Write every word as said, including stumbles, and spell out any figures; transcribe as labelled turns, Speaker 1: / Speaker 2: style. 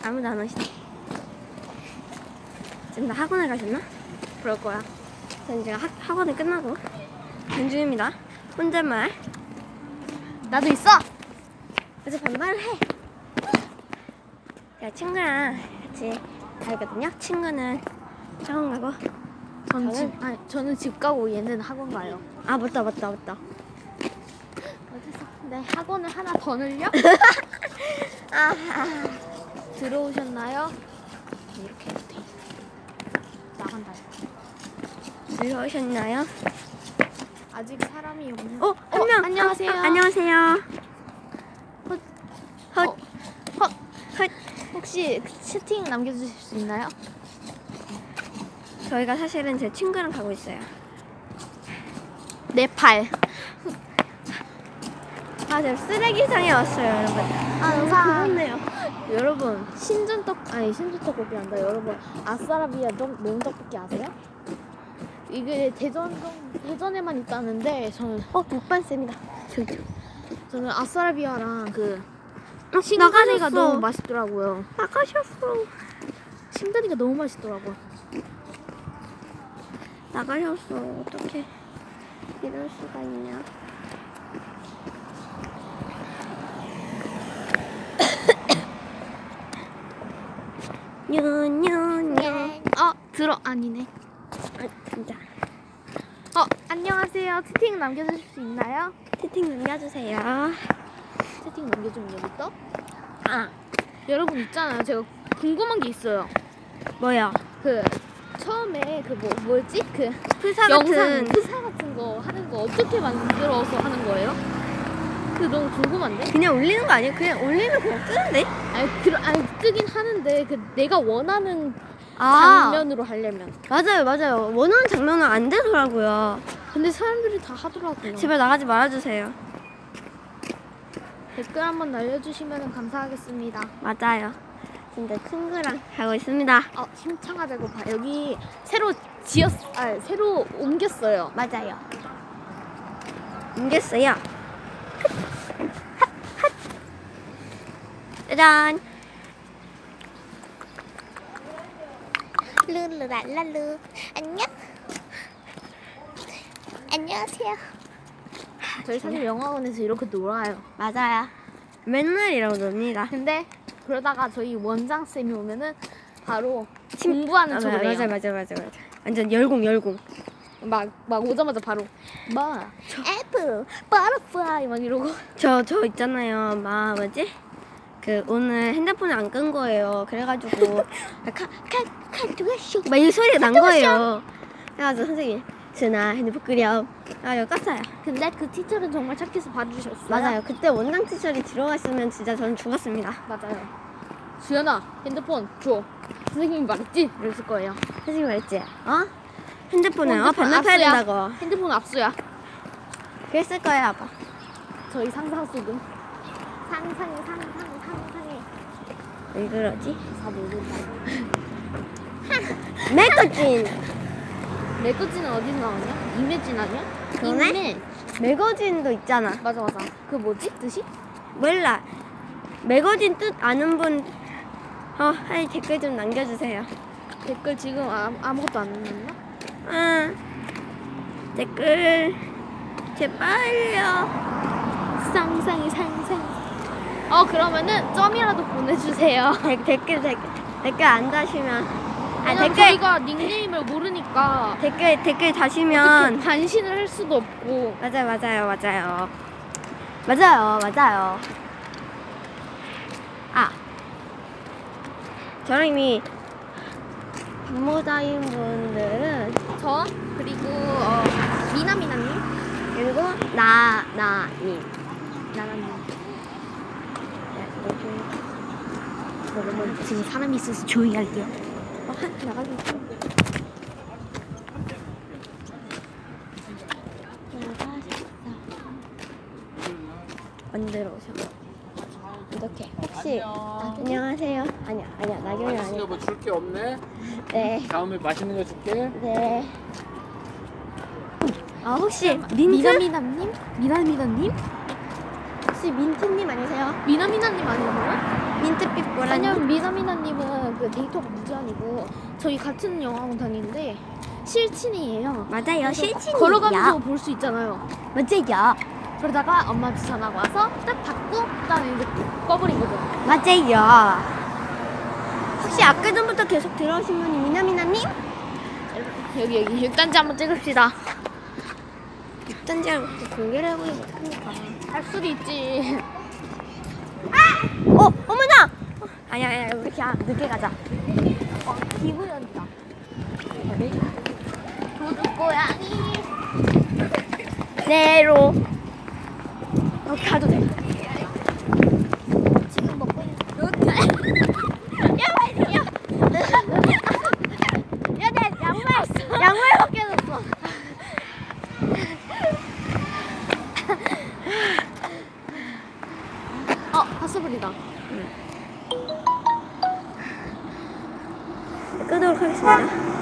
Speaker 1: 아무도 안 오시네. 지금 다 학원에 가셨나?
Speaker 2: 그럴 거야.
Speaker 1: 저는 제가 학, 학원이 끝나고 간 중입니다. 혼잣말.
Speaker 2: 나도 있어.
Speaker 1: 그래서 반말을 해. 제가 친구랑 같이 가거든요. 친구는 학원 가고.
Speaker 2: 저는
Speaker 1: 저는-
Speaker 2: 집, 아니, 저는 집 가고 얘는 학원 가요.
Speaker 1: 아 맞다 맞다 맞다.
Speaker 2: 어디서? 네, 학원을 하나 더 늘려?
Speaker 1: 아, 아.
Speaker 2: 들어오셨나요? 네, 이렇게 해도 돼. 나간다.
Speaker 1: 들어오셨나요?
Speaker 2: 아직 사람이 없는.
Speaker 1: 어, 한 명.
Speaker 2: 안녕하세요.
Speaker 1: 아, 안녕하세요.
Speaker 2: 헛.
Speaker 1: 헛.
Speaker 2: 어, 헛.
Speaker 1: 헛.
Speaker 2: 혹시 채팅 남겨주실 수 있나요?
Speaker 1: 저희가 사실은 제 친구랑 가고 있어요.
Speaker 2: 내 팔.
Speaker 1: 아, 지금 쓰레기장에 왔어요, 여러분.
Speaker 2: 아,
Speaker 1: 그렇네요.
Speaker 2: 여러분 신전 떡 아니 신전 떡볶이 한다. 여러분 아싸라비아 떡 매운 떡볶이 아세요? 이게 대전 대전에만 있다는데 저는
Speaker 1: 어, 북반쌤이다. 저기.
Speaker 2: 저는 아싸라비아랑 그
Speaker 1: 어,
Speaker 2: 신다리가
Speaker 1: 나가셨어.
Speaker 2: 너무 맛있더라고요.
Speaker 1: 나가셨어.
Speaker 2: 신다리가 너무 맛있더라고요.
Speaker 1: 나가셨어. 어떻게 이럴 수가 있냐? 뉴뉴뉴.
Speaker 2: 어 들어 아니네.
Speaker 1: 아, 진짜.
Speaker 2: 어 안녕하세요. 채팅 남겨주실 수 있나요?
Speaker 1: 채팅 남겨주세요.
Speaker 2: 채팅 남겨주면 여기 떠?
Speaker 1: 아,
Speaker 2: 여러분 있잖아요. 제가 궁금한 게 있어요.
Speaker 1: 뭐야?
Speaker 2: 그 처음에 그 뭐 뭐였지? 그
Speaker 1: 프사
Speaker 2: 영상
Speaker 1: 같은.
Speaker 2: 프사 같은 거 하는 거 어떻게 만들어서 하는 거예요? 그 너무 궁금한데?
Speaker 1: 그냥 올리는 거 아니에요? 그냥 올리면 그냥 뜨는데?
Speaker 2: 아니, 그, 아니 뜨긴 하는데 그 내가 원하는
Speaker 1: 아,
Speaker 2: 장면으로 하려면
Speaker 1: 맞아요, 맞아요. 원하는 장면은 안 되더라고요.
Speaker 2: 근데 사람들이 다 하더라고요.
Speaker 1: 제발 나가지 말아주세요.
Speaker 2: 댓글 한번 날려주시면 감사하겠습니다.
Speaker 1: 맞아요. 진짜 친구랑 가고 있습니다.
Speaker 2: 어 신청하 배고파. 여기 새로 지었 아 새로 옮겼어요.
Speaker 1: 맞아요. 옮겼어요. 짜잔.
Speaker 3: 르르랄랄루 안녕 안녕하세요.
Speaker 2: 저희 사실 영화관에서 이렇게 놀아요.
Speaker 1: 맞아요. 맨날 이러고 놉니다.
Speaker 2: 근데 그러다가 저희 원장 쌤이 오면은 바로 공부하는 척을 해요.
Speaker 1: 맞아, 맞아, 맞아, 맞아. 완전 열공, 열공.
Speaker 2: 막, 막 오자마자 바로 뭐 애플 버터플라이 막 이러고
Speaker 1: 저, 저 있잖아요. 막, 뭐지? 그, 오늘 핸드폰을 안 끈 거예요. 그래가지고, 카, 카, 카톡 쇼. 막 이 소리가 난 거예요. 그래가지고 선생님, 준아, 핸드폰 끄렴. 아, 이거 껐어요.
Speaker 2: 근데 그 티처는 정말 착해서 봐주셨어요.
Speaker 1: 맞아요. 그때 원장 티셔츠 들어갔으면 진짜 저는 죽었습니다.
Speaker 2: 맞아요. 수연아 핸드폰 줘. 선생님이 말했지? 이랬을 거예요.
Speaker 1: 선생님 말했지? 어? 핸드폰을 어?
Speaker 2: 핸드폰
Speaker 1: 반납해야
Speaker 2: 압수야.
Speaker 1: 된다고.
Speaker 2: 핸드폰 압수야.
Speaker 1: 그랬을 거예요, 아빠.
Speaker 2: 저희 상상 속은 상상이 상상 상상이
Speaker 1: 왜 그러지?
Speaker 2: 다 모른다.
Speaker 1: 매거진!
Speaker 2: 매거진은 어디서 나오냐? 이매진 아니야?
Speaker 1: 그러네?
Speaker 2: 이매.
Speaker 1: 매거진도 있잖아.
Speaker 2: 맞아 맞아. 그 뭐지? 뜻이?
Speaker 1: 몰라. 매거진 뜻 아는 분, 어, 아니, 댓글 좀 남겨주세요.
Speaker 2: 댓글 지금 아, 아무것도 안 넣나?
Speaker 1: 아, 댓글, 제발요.
Speaker 2: 상상이 상상. 어 그러면은 점이라도 보내주세요.
Speaker 1: 데, 댓글, 댓글, 댓글 안 다시면. 아,
Speaker 2: 왜냐면
Speaker 1: 댓글,
Speaker 2: 저희가 닉네임을 모르니까
Speaker 1: 댓글, 댓글
Speaker 2: 어떻게
Speaker 1: 다시면.
Speaker 2: 단신을 할 수도 없고.
Speaker 1: 맞아요, 맞아요, 맞아요. 맞아요, 맞아요. 아, 저랑 이미 부모자인 분들은
Speaker 2: 저 그리고 어, 미나미나님
Speaker 1: 그리고 나, 나님.
Speaker 2: 나나님.
Speaker 1: 네,
Speaker 2: 여러분 지금 사람이 있어서 조용히 할게요.
Speaker 1: 어, 한, 나가기 있어. 나가셨어. 만들어 오셔. 이렇게. 혹시, 아, 안녕하세요. 아니야, 아니야, 나경이 아니야.
Speaker 4: 뭐 줄 게 없네.
Speaker 1: 네.
Speaker 4: 다음에 맛있는 거 줄게.
Speaker 1: 네. 아, 혹시 민트?
Speaker 2: 미나미나님? 미나미나님?
Speaker 1: 혹시 민트님 아니세요?
Speaker 2: 미나미나님 아니에요?
Speaker 1: 민트빛 보라니.
Speaker 2: 아니면 미나미나님은 그 데이터가 무제한이고 저희 같은 영화관 다니는데 실친이에요.
Speaker 1: 맞아요.
Speaker 2: 그래서
Speaker 1: 실친이에요.
Speaker 2: 걸어가면서 볼 수 있잖아요.
Speaker 1: 맞아요.
Speaker 2: 그러다가 엄마한테 전화가 와서 딱 받고 그다음에 이제 꺼버린 거죠.
Speaker 1: 맞아요. 혹시 아까 전부터 계속 들어오신 분이 미나미나님?
Speaker 2: 여기 여기 육 단지 한번 찍읍시다.
Speaker 1: 육단지를 공개를 해보니까 어떡합니까?
Speaker 2: 할 수도 있지.
Speaker 1: 어, 어머나! 어, 아니야, 아니야, 우리 그냥 늦게 가자.
Speaker 2: 어, 기분이었다. 도둑 고양이.
Speaker 1: 네로. 어, 가도 돼.
Speaker 2: 지금 먹고 있는.
Speaker 1: 야, 빨리, 야! 야, 내 양말, 양말 벗겨졌어.
Speaker 2: 어, 하수불이다.
Speaker 1: 끄도록 하겠습니다.